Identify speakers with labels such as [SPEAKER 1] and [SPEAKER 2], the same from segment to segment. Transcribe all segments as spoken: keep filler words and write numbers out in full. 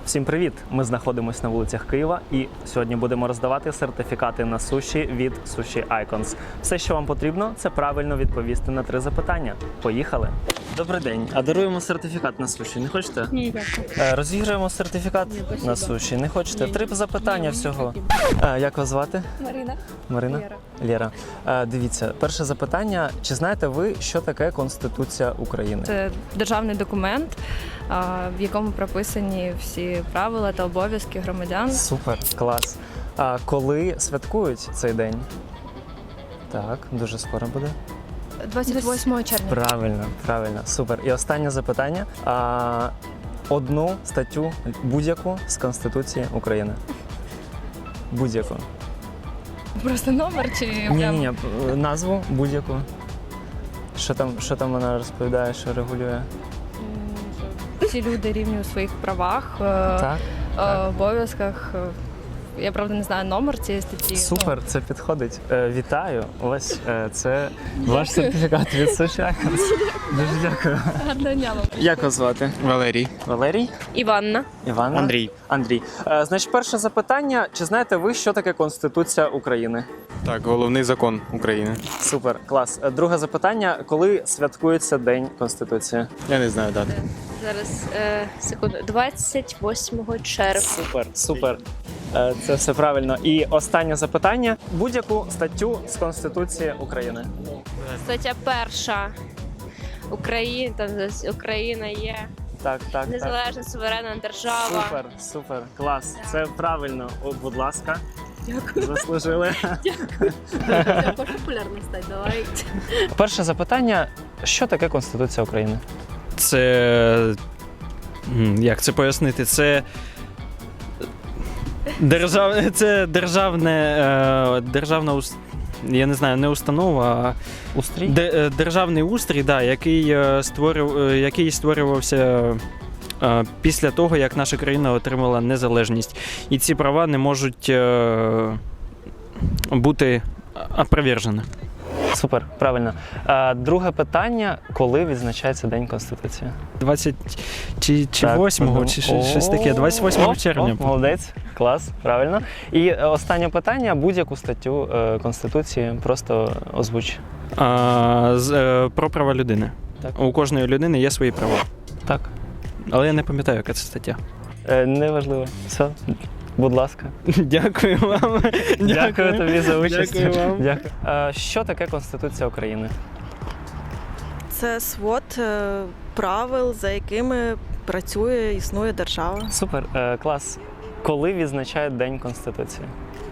[SPEAKER 1] Всім привіт! Ми знаходимося на вулицях Києва і сьогодні будемо роздавати сертифікати на суші від Sushi Icons. Все, що вам потрібно, це правильно відповісти на три запитання. Поїхали! Добрий день! А даруємо сертифікат на суші. Не хочете?
[SPEAKER 2] Ні, дякую.
[SPEAKER 1] Е, Розіграємо сертифікат
[SPEAKER 2] Ні,
[SPEAKER 1] на суші. Не хочете? Три запитання всього. Е, Як вас звати?
[SPEAKER 2] Марина.
[SPEAKER 1] Марина?
[SPEAKER 2] Лєра.
[SPEAKER 1] Лєра. Е, Дивіться, перше запитання. Чи знаєте ви, що таке Конституція України?
[SPEAKER 2] Це державний документ, а, в якому прописані всі правила та обов'язки громадян.
[SPEAKER 1] Супер, клас. А коли святкують цей день? Так, дуже скоро буде.
[SPEAKER 2] двадцять восьмого червня.
[SPEAKER 1] Правильно, правильно, супер. І останнє запитання. А, одну статтю будь-яку з Конституції України. Будь-яку.
[SPEAKER 2] Просто номер чи
[SPEAKER 1] Ні,
[SPEAKER 2] прям?
[SPEAKER 1] ні, ні, назву будь-яку. Що там, що там вона розповідає, що регулює?
[SPEAKER 2] М, що Всі люди рівні у своїх правах, е,
[SPEAKER 1] Так.
[SPEAKER 2] е,
[SPEAKER 1] так.
[SPEAKER 2] обов'язках. Е, Я правда не знаю номер цієї статті.
[SPEAKER 1] Супер, це підходить. Е, вітаю. Ось е, це ваш сертифікат від Sushi Icons. Дуже дякую.
[SPEAKER 2] Ну, гарного дня вам.
[SPEAKER 1] Як вас звати?
[SPEAKER 3] Валерій.
[SPEAKER 1] Валерій?
[SPEAKER 2] Іванна.
[SPEAKER 1] Івана?
[SPEAKER 3] Андрій.
[SPEAKER 1] Андрій. Е, значить, перше запитання. Чи знаєте ви, що таке Конституція України?
[SPEAKER 3] Так, головний закон України.
[SPEAKER 1] Супер, клас. Е, Друге запитання. Коли святкується День Конституції?
[SPEAKER 3] Я не знаю дати.
[SPEAKER 4] Зараз е, секунду, двадцять восьмого червня.
[SPEAKER 1] Супер, супер. Е, Це все правильно. І останнє запитання. Будь-яку статтю з Конституції України.
[SPEAKER 4] Стаття перша. Україна, там десь Україна є
[SPEAKER 1] Так, так, так.
[SPEAKER 4] незалежна суверенна держава.
[SPEAKER 1] Супер, супер, клас. Це правильно. О, будь ласка. Дякую. Заслужили.
[SPEAKER 4] Популярно стать, давай.
[SPEAKER 1] Перше запитання. Що таке Конституція України?
[SPEAKER 5] Це. м, Як це пояснити? Це. Держав... Це державне. е, Державна ус- я не знаю, не установа, а
[SPEAKER 1] Устрій?
[SPEAKER 5] де- е, державний устрій, да, який, е, створив... е, який створювався е, після того, як наша країна отримала незалежність. І ці права не можуть е, бути опровержені.
[SPEAKER 1] Супер, правильно. А, друге питання. Коли відзначається День Конституції?
[SPEAKER 5] двадцять чи, чи
[SPEAKER 1] Так,
[SPEAKER 5] восьмого,
[SPEAKER 1] подумав.
[SPEAKER 5] чи щось щось таке.
[SPEAKER 1] О,
[SPEAKER 5] двадцять восьмого
[SPEAKER 1] о,
[SPEAKER 5] червня.
[SPEAKER 1] о, молодець, клас, правильно. І е, останнє питання. Будь-яку статтю е, Конституції просто озвуч.
[SPEAKER 5] А, з, е, про права людини.
[SPEAKER 1] Так.
[SPEAKER 5] У кожної людини є свої права.
[SPEAKER 1] Так.
[SPEAKER 5] Але я не пам'ятаю, яка це стаття.
[SPEAKER 1] Е, неважливо. Все, будь ласка.
[SPEAKER 5] Дякую вам.
[SPEAKER 1] Дякую тобі за участь.
[SPEAKER 5] Дякую вам.
[SPEAKER 1] Дякую. Е, що таке Конституція України?
[SPEAKER 6] Це свод е, правил, за якими працює, існує держава.
[SPEAKER 1] Супер, е, клас. Коли відзначають День Конституції?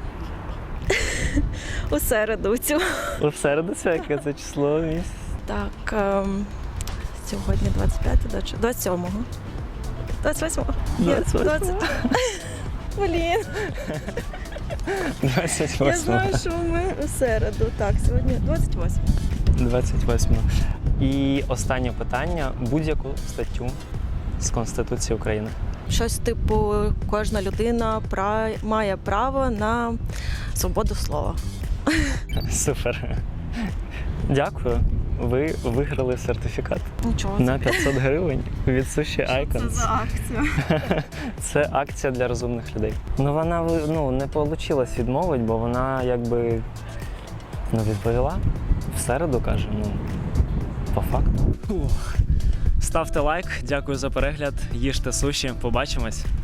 [SPEAKER 6] У середу цю.
[SPEAKER 1] У середу це яке це число місяць?
[SPEAKER 6] Так, ем, сьогодні двадцять п'яте, чи двадцять сьомого. двадцять восьмого? Ні,
[SPEAKER 1] двадцять восьмого.
[SPEAKER 6] двадцять. Блін,
[SPEAKER 1] двадцять
[SPEAKER 6] я
[SPEAKER 1] восьмого.
[SPEAKER 6] знаю, що ми у середу. Так, сьогодні двадцять восьмого.
[SPEAKER 1] двадцять восьмого. І останнє питання. Будь-яку статтю з Конституції України.
[SPEAKER 6] Щось типу, кожна людина пра- має право на свободу слова.
[SPEAKER 1] Супер. Дякую. Ви виграли сертифікат
[SPEAKER 6] Нічого.
[SPEAKER 1] на п'ятсот гривень від Sushi Icons.
[SPEAKER 6] акція?
[SPEAKER 1] Це акція для розумних людей. Ну вона ну, не вийшло відмовити, бо вона якби ну, відповіла. В середу каже, ну по факту. Ставте лайк, дякую за перегляд. Їжте суші. Побачимось.